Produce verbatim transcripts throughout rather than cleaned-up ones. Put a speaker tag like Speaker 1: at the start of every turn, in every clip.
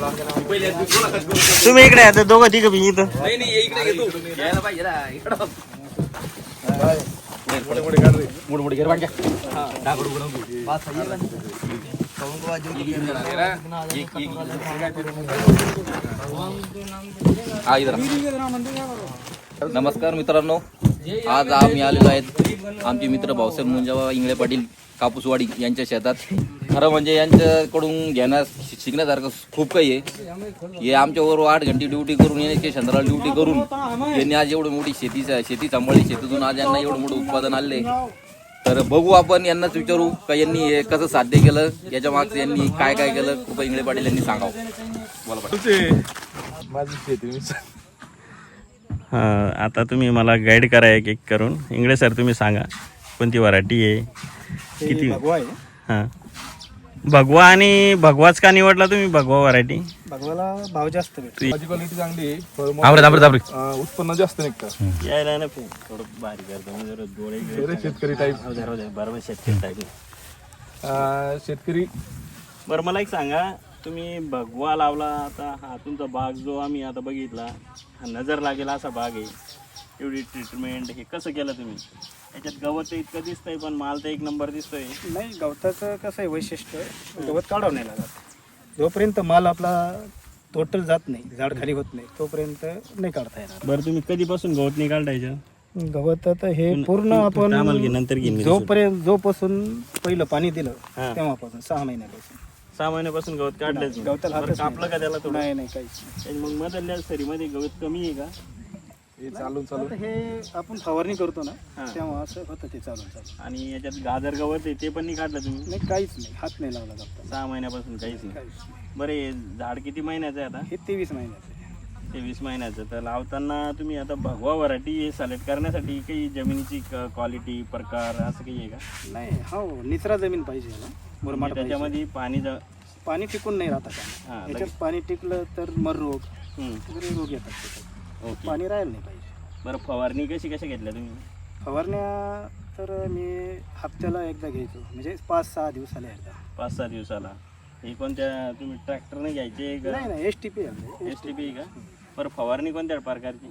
Speaker 1: तुम्ही इकडे आता दोघं तिघं बी इथं
Speaker 2: नाही नाही इकडे येतो यायला पाहिजे ना इकडं मोड मोड घेर वांग्या हां डागडू बनवू पाच हा इधर नमस्कार मित्रांनो, आज आम्ही आलेलो आहेत आमचे मित्र भाऊसाहेब मुंजाबा इंगळे पाटील कापूसवाडी यांच्या शेतात. खरं म्हणजे यांच्याकडून घेण्यास शिकण्यासारखं खूप काही आहे. हे आमच्याबरोबर आठ घंटे ड्युटी करून येण्याचे चंद्राला ड्युटी करून यांनी आज एवढं मोठी शेती शेती सांभाळली. शेतीतून आज यांना एवढं मोठं उत्पादन आले. तर बघू आपण यांनाच विचारू का यांनी हे कसं साध्य केलं, याच्या मागचं यांनी काय काय केलं. कृपा इंगळे पाटील यांनी सांगावं. बोला
Speaker 3: माझी शेती.
Speaker 1: हां, आता तुम्ही मला गाईड करा एक एक करून. इंगळे सर तुम्ही सांगा कोणती व्हरायटी आहे, किती? हां, भगवा. आणि भगवाच का निवडला तुम्ही, भगवा व्हरायटी?
Speaker 4: भगवाला भाव जास्त भेटतो,
Speaker 3: माझी क्वालिटी चांगली आहे, उत्पन्न जास्त निघतं.
Speaker 1: यायला ना थोडं भारी करतो डोळे
Speaker 3: शेतकरी टाईप.
Speaker 1: बरोबर, शेतकरी टाईप.
Speaker 3: शेतकरी.
Speaker 1: बरं, मला एक सांगा, तुम्ही भगवा लावला, आता हा तुमचा बाग जो आम्ही आता बघितला, हा नजर लागेल असा बाग आहे. एवढी ट्रीटमेंट हे कसं केलं तुम्ही? याच्यात गवत इतकं दिसतंय पण माल तर एक नंबर दिसतोय.
Speaker 4: नाही, गवताचं कसं आहे वैशिष्ट्य, गवत काढावं नाही लागत. जोपर्यंत माल आपला टोटल जात नाही, झाड खाली होत नाही, तोपर्यंत नाही काढता येणार.
Speaker 1: बरं, तुम्ही कधीपासून गवत नाही काढायचं?
Speaker 4: गवत आता हे पूर्ण आपण
Speaker 1: नंतर घेईन.
Speaker 4: जोपर्यंत जोपासून पहिलं पाणी दिलं तेव्हापासून सहा महिन्यापासून
Speaker 1: सहा महिन्यापासून गवत काढलं.
Speaker 4: गवताला
Speaker 1: कापलं का त्याला? थोडं
Speaker 4: नाही नाही काहीच.
Speaker 1: मग मधल्या सरीमध्ये गवत कमी आहे का?
Speaker 3: हे चालून चालून
Speaker 4: हे आपण फवारणी करतो ना तेव्हा असं होतं ते चालून चालून.
Speaker 1: आणि याच्यात गाजर गवत आहे ते पण नाही काढलं तुम्ही?
Speaker 4: नाही, काहीच नाही, हात नाही लावला गवताला
Speaker 1: सहा महिन्यापासून काहीच नाही. बरं, हे झाड किती महिन्याचं आहे आता?
Speaker 4: हे तेवीस महिन्याचं.
Speaker 1: तेवीस महिन्याचं. तर लावताना तुम्ही आता भगवा व्हरायटी हे सिलेक्ट करण्यासाठी काही जमिनीची क्वालिटी, प्रकार असं काही आहे का?
Speaker 4: नाही, हो, निचरा जमीन पाहिजे ना, मुरमाड पाहिजे.
Speaker 1: त्याच्यामध्ये पाणी ज-
Speaker 4: पाणी टिकून नाही राहत
Speaker 1: हा,
Speaker 4: का याच्यात. पाणी टिकलं तर मर रोग
Speaker 1: हम्म.
Speaker 4: वगैरे रोग येतात त्याच्यात.
Speaker 1: ओके.
Speaker 4: पाणी राहायला नाही पाहिजे.
Speaker 1: बरं, फवारणी कशी कशा घेतल्या तुम्ही?
Speaker 4: फवारण्या तर मी हप्त्याला एकदा घ्यायचो, म्हणजे पाच सहा दिवसाला एकदा.
Speaker 1: पाच सहा दिवसाला. हे कोणत्या तुम्ही ट्रॅक्टरने घ्यायचे का?
Speaker 4: नाही नाही, S T P
Speaker 1: S T P का? बरं, फवारणी कोणत्या प्रकारची?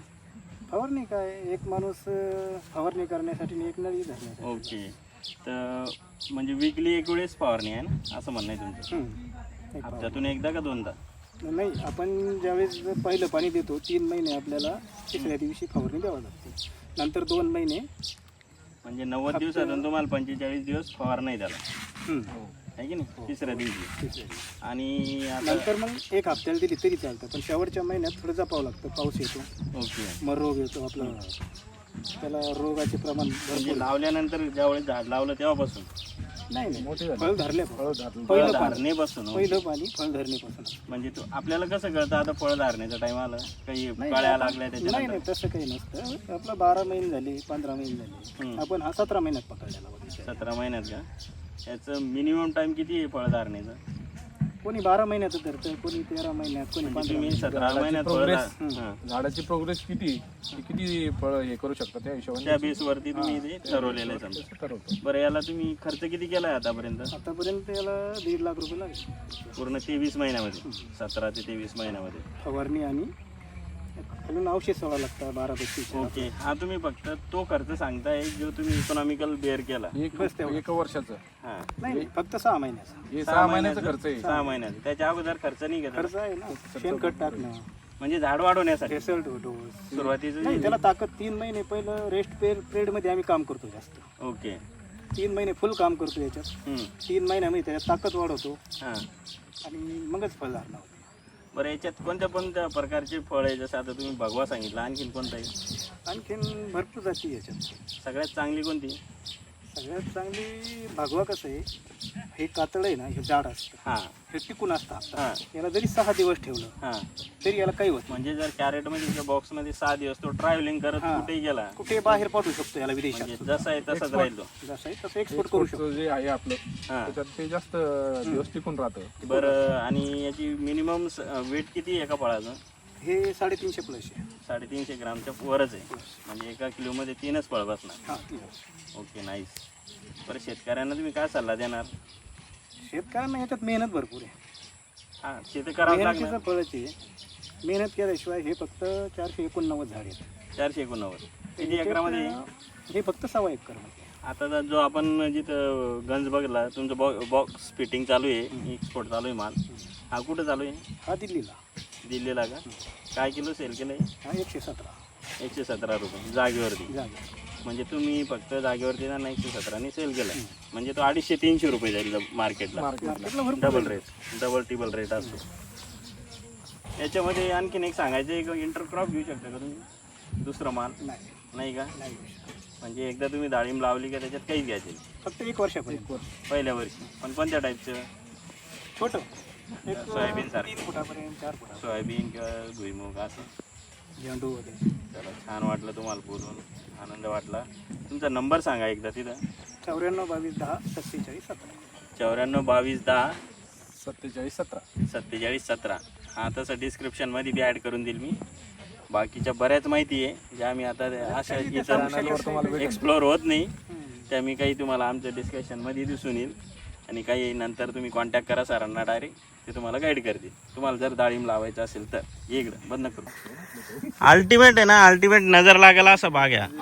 Speaker 4: फवारणी काय, एक माणूस अं, फवारणी करण्यासाठी आणि एक नळी धरण्यासाठी.
Speaker 1: ओके. तर म्हणजे वीकली एक वेळेस फवारणी आहे ना, असं म्हणणं आहे तुमचं?
Speaker 4: हम्म. एक
Speaker 1: हप्त्यातून एकदा का दोनदा?
Speaker 4: फवारणी. नाही, आपण ज्यावेळेस पहिलं पाणी देतो तीन महिने आपल्याला तिसऱ्या दिवशी फवारणी द्यावं लागते. नंतर दोन महिने
Speaker 1: म्हणजे नव्वद दिवसातून तुम्हाला पंचेचाळीस दिवस फवारणी त्याला
Speaker 4: हम्म.
Speaker 1: आहे की नाही, तिसऱ्या दिवशी.
Speaker 4: तिसऱ्या दिवशी.
Speaker 1: आणि आता
Speaker 4: नंतर मग एक हप्त्याला दिली तरी चालतं, पण शेवटच्या महिन्यात थोडं जपावं लागतं. पाऊस येतो,
Speaker 1: ओके.
Speaker 4: मग रोग येतो आपला, त्याला रोगाचे प्रमाण
Speaker 1: म्हणजे
Speaker 4: भरपूर.
Speaker 1: लावल्यानंतर ज्यावेळेस झाड लावलं तेव्हापासून?
Speaker 4: नाही नाही,
Speaker 3: मोठे झाले.
Speaker 4: फळ धरले,
Speaker 3: फळं धरलं.
Speaker 4: पहिलं पाणी,
Speaker 1: धरणेपासून?
Speaker 4: पहिलं पाणी फळ धरणेपासून.
Speaker 1: म्हणजे तो आपल्याला कसं कळतं आता फळ धारण्याचा टाइम आला, काही
Speaker 4: नाही,
Speaker 1: कळ्या
Speaker 4: आपण-
Speaker 1: लागल्या
Speaker 4: नाही
Speaker 1: त्याच्यानंतर?
Speaker 4: नाही, तसं काही नसतं. आपलं बारा महिने झाले, पंधरा महिने झाले,
Speaker 1: हम्म.
Speaker 4: आपण हा सतरा महिन्यात पकडलेला बघितला.
Speaker 1: सतरा महिन्यात का? याचं मिनिमम टाइम किती आहे फळ धारण्याचं?
Speaker 4: कोणी बारा महिन्यात धरतं, कोणी तेरा महिन्यात, कोणी
Speaker 1: म्हणजे
Speaker 4: पंधरा
Speaker 1: तुम्ही
Speaker 4: महिन्यात.
Speaker 1: सतरा महिन्यात फळ
Speaker 3: progress.
Speaker 1: धार- हां.
Speaker 3: झाडाची प्रोग्रेस किती ती किती फळ हे करू शकतात त्या
Speaker 1: त्या
Speaker 3: हिशोबाने
Speaker 1: बेस वरती तुम्ही ते ठरवलेलं आहे समजा.
Speaker 3: ठरवतो.
Speaker 1: बरं, याला तुम्ही खर्च किती केलाय आतापर्यंत?
Speaker 4: आतापर्यंत याला दीड लाख रुपये लागले,
Speaker 1: पूर्ण तेवीस महिन्यामध्ये, सतरा ते तेवीस महिन्यामध्ये.
Speaker 4: फवारणी आणि अजून औषध सोडा लागतं बारा पैकी.
Speaker 1: ओके. हा, तुम्ही फक्त तो खर्च सांगताय जो तुम्ही इकॉनॉमिकल बेअर केला.
Speaker 3: एक
Speaker 4: बस तेवढं.
Speaker 3: एक वर्षाचं
Speaker 1: हा,
Speaker 4: नाही नाही, फक्त सहा महिन्याचा
Speaker 3: हे सहा महिन्याचा खर्च आहे.
Speaker 1: सहा महिन्याचा. त्याच्या अगोदर खर्च नाही घेतला
Speaker 4: खर्च आहे ना, शेणखत टाकणं,
Speaker 1: म्हणजे झाड वाढवण्यासाठी
Speaker 4: रिसल्ट डोस.
Speaker 1: सुरुवातीचं?
Speaker 4: नाही, त्याला ताकद तीन महिने पहिलं रेस्ट पिरियड मध्ये आम्ही काम करतो जास्त.
Speaker 1: ओके.
Speaker 4: तीन महिने फुल काम करतो याच्यात.
Speaker 1: हम्म.
Speaker 4: तीन महिन्यामध्ये त्याच्यात ताकद वाढवतो
Speaker 1: हां.
Speaker 4: आणि मगच फळ धारणा होते.
Speaker 1: बरं, याच्यात कोणत्या कोणत्या प्रकारचे फळ आहे? जसं आता तुम्ही भगवा सांगितलं, आणखीन कोणतं आहे?
Speaker 4: आणखीन भरपूर जाती याच्यात.
Speaker 1: सगळ्यात चांगली कोणती?
Speaker 4: सगळ्यात चांगली भगवा. कसं आहे, हे कातळ आहे ना, हे झाड असतं,
Speaker 1: हां
Speaker 4: हे टिकून असतं.
Speaker 1: हां
Speaker 4: याला जरी सहा दिवस ठेवलं
Speaker 1: हां.
Speaker 4: तरी याला काही होत
Speaker 1: म्हणजे जर कॅरेटमध्ये बॉक्समध्ये सहा दिवस तो ट्रॅव्हलिंग करत
Speaker 4: हां.
Speaker 1: कुठेही गेला,
Speaker 4: नाही, कुठे बाहेर पाठवू शकतो याला विदेशात.
Speaker 1: म्हणजे जसं आहे तसंच राहील तो.
Speaker 4: जसं आहे तसं एक्सपोर्ट करू शकतो.
Speaker 3: Exportचं जे आहे आपलं
Speaker 1: हां.
Speaker 3: त्याच्यात ते जास्त दिवस टिकून राहतं.
Speaker 1: बरं, आणि याची मिनिमम वेट किती आहे एका फळाचं?
Speaker 4: हे साडेतीनशे प्लस आहे.
Speaker 1: साडेतीनशे ग्रामच्या वरच आहे, म्हणजे एका किलोमध्ये तीनच फळ बसणार.
Speaker 4: हां, तीन.
Speaker 1: Okay, nice. बरं, शेतकऱ्यांना तुम्ही काय सल्ला देणार?
Speaker 4: शेतकऱ्यांना याच्यात मेहनत भरपूर आहे.
Speaker 1: हा शेती करावं लागणार.
Speaker 4: मेहनतीचं फळच आहे. मेहनत केल्याशिवाय हे फक्त चारशे एकोणनव्वद झाड आहेत.
Speaker 1: चारशे एकोणनव्वद किती एकरामध्ये?
Speaker 4: हे फक्त सव्वा एकर मध्ये.
Speaker 1: आता जर जो आपण जिथं गंज बघला तुमचं बॉ बॉक्स फिटिंग चालू आहे, एक्सपोर्ट चालू आहे माल, हा कुठं चालू आहे?
Speaker 4: हा दिल्लीला.
Speaker 1: दिल्लीला का? काय किलो सेल केलं आहे?
Speaker 4: हा एकशे सतरा
Speaker 1: एकशे सतरा रुपये जागेवरती.
Speaker 4: जागा.
Speaker 1: म्हणजे तुम्ही फक्त जागेवरती ना एकशे सतराने सेल केला, म्हणजे तो अडीचशे तीनशे रुपये जाईल मार्केटला.
Speaker 4: मार्केटला भरपूर
Speaker 1: double rate, double triple rate असतो. याच्यामध्ये आणखीन एक सांगायचं, एक इंटरक्रॉप घेऊ शकता का तुम्ही? दुसरा माल
Speaker 4: नाही.
Speaker 1: नाही का?
Speaker 4: नाही.
Speaker 1: म्हणजे एकदा तुम्ही डाळिंब लावली का त्याच्यात काहीच घ्यायचे
Speaker 4: फक्त एक वर्षापर्यंत.
Speaker 1: पहिल्या वर्षी. पण कोणत्या टाईपचं?
Speaker 4: छोटं एक
Speaker 1: सोयाबीन सारखं,
Speaker 4: तीन फुटापर्यंत, चार फुटा.
Speaker 1: सोयाबीन किंवा भुईमुग असं.
Speaker 4: झेंडू वगैरे.
Speaker 1: चला, छान वाटलं तुम्हाला बोलून, आनंद वाटला. तुमचा नंबर सांगा एकदा तिथं.
Speaker 4: चौऱ्याण्णव बावीस दहा सत्तेचाळीस सतरा.
Speaker 1: चौऱ्याण्णव बावीस दहा
Speaker 3: सत्तेचाळीस सतरा.
Speaker 1: सत्तेचाळीस सतरा. हा तसं डिस्क्रिप्शनमध्ये बी ॲड करून देईल मी. बाकीच्या बऱ्याच माहिती आहे ज्या मी आता अशा इथं एक्सप्लोअर होत नाही, त्या मी काही तुम्हाला आमच्या डिस्कशनमध्ये दिसून येईल. आणि काही नंतर तुम्ही कॉन्टॅक्ट करा सरांना डायरेक्ट, ते तुम्हाला गाईड करतील. तुम्हाला जर डाळिंब लावायचं असेल तर ये इकडं, बंद करू. अल्टिमेट आहे ना, अल्टिमेट नजर लागेला असा भाग आहे.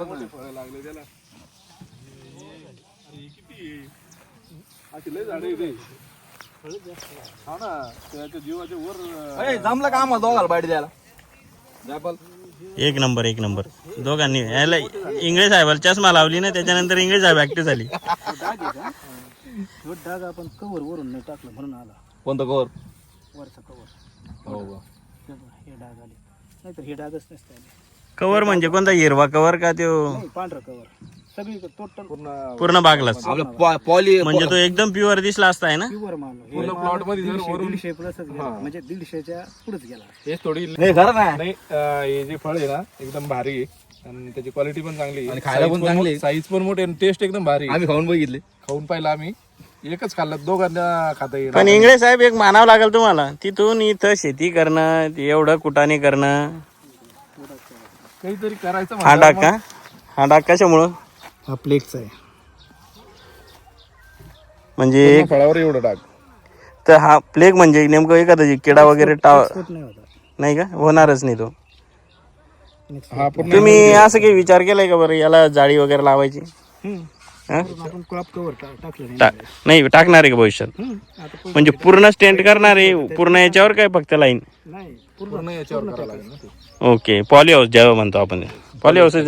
Speaker 2: जमलं का आम्हाला दोघाला बाईट द्यायला?
Speaker 1: एक नंबर एक नंबर दोघांनी. याला इंग्लिश साहेबाला चष्मा लावली ना, त्याच्यानंतर इंग्लिश साहेब ऍक्टिव्ह झाली.
Speaker 4: तो डाग आपण कवर वरून नाही टाकलं म्हणून आला.
Speaker 2: कोणतं कवर?
Speaker 4: वरचा कवर.
Speaker 2: हो का?
Speaker 4: हे डाग आले, नाहीतर हे डागच नसते.
Speaker 1: कवर म्हणजे कोणता? हिरवा कवर का तो?
Speaker 4: नाही, पांढरा कवर. सगळी टोटल
Speaker 1: पूर्ण बागलाच.
Speaker 2: आपलं पॉली
Speaker 1: म्हणजे तो एकदम प्युअर दिसला असता आहे ना.
Speaker 4: प्युअर माल.
Speaker 3: पूर्ण प्लॉट मध्ये जर वरून
Speaker 4: दीडशे प्लसच गेला, म्हणजे दीडशेच्या पुढेच गेला.
Speaker 3: हे थोडी
Speaker 2: नाही खरं नाही.
Speaker 3: नाही अं, हे जे फळ आहे ना एकदम भारी आहे आणि त्याची क्वालिटी पण चांगली
Speaker 2: आणि खायला पण चांगली आहे.
Speaker 3: साईज पण मोठी आणि टेस्ट एकदम भारी आहे.
Speaker 2: आम्ही खाऊन बघितले.
Speaker 3: खाऊन पाहिलं आम्ही, एकच खाल्लं, दोघांना खाता येईल.
Speaker 1: पण इंग्लिश साहेब एक मानावं लागेल तुम्हाला, तिथून इथं शेती करणं, ते एवढं कुटाने करणं.
Speaker 3: काहीतरी करायचं
Speaker 1: हा डाग का? हा डाग कशामुळं?
Speaker 4: हा प्लेगचा आहे.
Speaker 1: म्हणजे
Speaker 3: म्हणून फळावर एवढं डाग.
Speaker 1: तर हा प्लेग म्हणजे नेमकं एखादा किडा वगैरे टाव
Speaker 4: Export नाही होता.
Speaker 1: नाही का? होणारच नाही तो.
Speaker 3: हा पूर्ण
Speaker 1: तुम्ही असं काही विचार केलाय का बरं याला जाळी वगैरे लावायची? हा?
Speaker 4: आपण क्रॉप कवर टाकलं नाही.
Speaker 1: टा- नाही टाकणार आहे का भविष्यात?
Speaker 4: हम्म. आता पूर्ण-
Speaker 1: म्हणजे पूर्ण स्टेंट करणार आहे पूर्ण याच्यावर काय फक्त लाईन?
Speaker 4: नाही
Speaker 3: पूर्ण याच्यावर करावं लागेल ना ते.
Speaker 1: ओके, पॉली हाऊस जेव्हा म्हणतो आपण, पॉली हाऊस